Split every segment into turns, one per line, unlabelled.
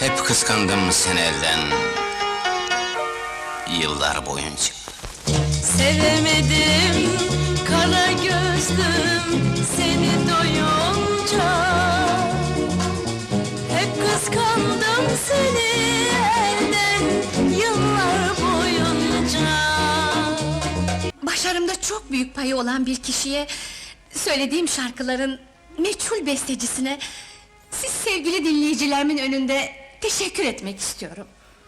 Hep kıskandım seni elden, yıllar boyunca.
Sevemedim, kara gözlüm seni doyunca. Hep kıskandım seni elden, yıllar boyunca.
Başarımda çok büyük payı olan bir kişiye, söylediğim şarkıların meçhul bestecisine, siz sevgili dinleyicilerimin önünde teşekkür etmek istiyorum.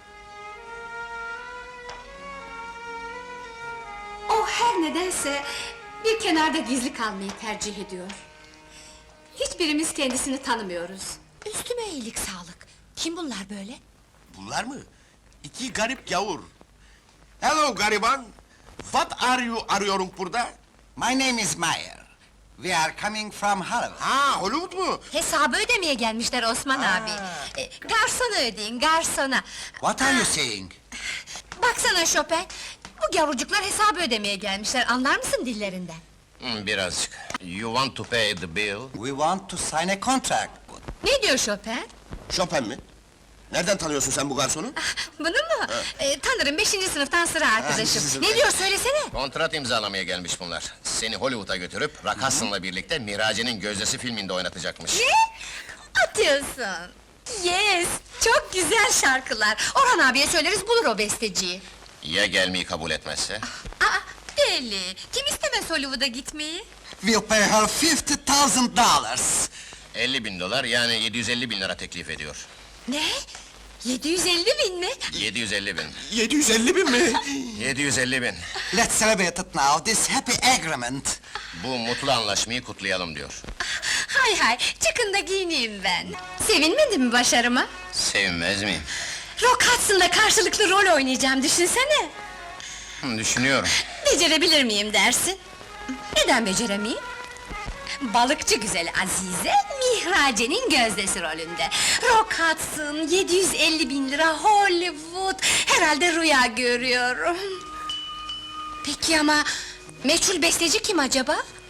O her nedense bir kenarda gizli kalmayı tercih ediyor. Hiçbirimiz kendisini tanımıyoruz. Üstüme iyilik sağlık. Kim bunlar böyle?
Bunlar mı? İki garip gavur. Hello gariban. What are you arıyorum burada?
My name is Meyer. We are coming from Hollywood.
Ha, Hollywood mu?
Hesabı ödemeye gelmişler Osman abi. Garsona ödeyin, garsona.
What are you saying?
Baksana Chopin, bu gavurcuklar hesabı ödemeye gelmişler, anlar mısın dillerinden?
Birazcık. You want to pay the bill?
We want to sign a contract.
Ne diyor Chopin?
Chopin mi? Nereden tanıyorsun sen bu garsonu?
Bunu mu? Tanırım, 5. sınıftan sıra arkadaşım.
siz-
Ne diyor söylesene!
Kontrat imzalamaya gelmiş bunlar. Seni Hollywood'a götürüp Rock Hudson'la birlikte Mirace'nin Gözdesi filminde oynatacakmış.
Ne? Atıyorsun! Yes! Çok güzel şarkılar! Orhan abiye söyleriz, bulur o besteciyi.
Ya gelmeyi kabul etmezse?
Aa, deli! Kim istemez Hollywood'a gitmeyi?
We'll pay her $50,000.
50.000 dolar, yani 750 bin lira teklif ediyor.
Ne? 750.000 mi?
750 bin.
750 bin mi?
750 bin.
Let's celebrate it now, this happy agreement.
Bu mutlu anlaşmayı kutlayalım diyor.
Hay hay, çıkın da giyineyim ben. Sevinmedin mi başarıma?
Sevinmez miyim?
Rock Hudson'da karşılıklı rol oynayacağım, düşünsene!
Düşünüyorum.
Becerebilir miyim dersin? Neden beceremeyeyim? Balıkçı güzel Azize, Mihrace'nin gözdesi rolünde. Rock Hudson, 750.000 lira, Hollywood... Herhalde rüya görüyorum. Peki ama... Meçhul besteci kim acaba?